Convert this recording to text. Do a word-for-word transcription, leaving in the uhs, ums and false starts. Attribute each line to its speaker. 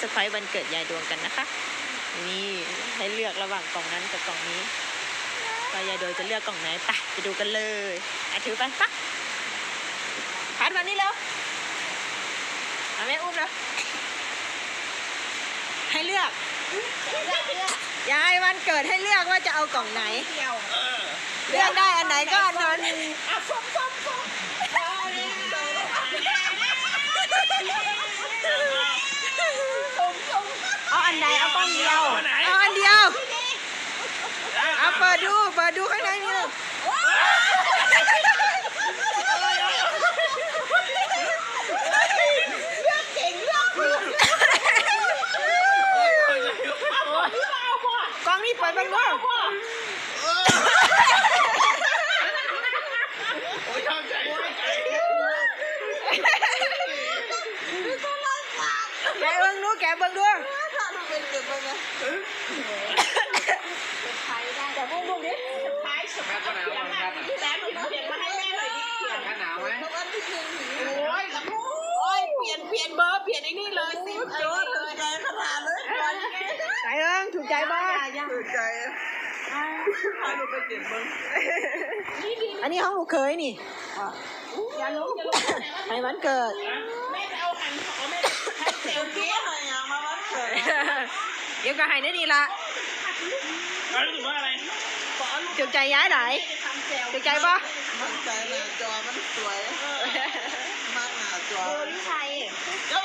Speaker 1: ซอร์ไพรส์วันเกิดยายดวงกันนะคะนี่ให้เลือกระหว่างกล่องนั้นกับกล่องนี้ว่ายายดวงจะเลือกกล่องไหนไปไปดูกันเลยอ่ะถือไปปะพัดมานี่เร็วเอาแม่อุ้มแล้วให้เลือกยายวันเกิดให้เลือกว่าจะเอากล่องไหนเลือกได้อันไหนก็อันนั้นเอาอันไหนเอากล่องเดียวเอาอันเดียวเอาเปิดดูเปิดดูข้างในนี่เลยกล้องนี่เปิดบ้างด้วยแกเบิ้งดูแกเบิ้งดูแต่พวกลูกนี้ท้ายสุดแล้วแล้วหนูเปลี่ยนมาให้แม่หน่อยดิเปลี่ยนกันหนาวไหมโอ้ยโอ้ยเปลี่ยนเปลี่ยนเบอร์เปลี่ยนไอ้นี่เลยสิโจ้ถูกใจขนาดเลยใจเอิงถูกใจบ้าถูกใจพาหนูไปเปลี่ยนเบอร์อันนี้ห้องหนูเคยนี่อย่าลงอย่าลงให้วันเกิดแม่ไปเอาหันของแม่ให้เซลฟี่อะไรอ่ะมาวันเกิดเดี๋ยวก็ให้ได้ดีละรู้สึกว่าอะไรจุกใจย้ายไหนจุกใจปะมันใจหน้าจอมันสวยมากหน้าจอพี่ชัยก็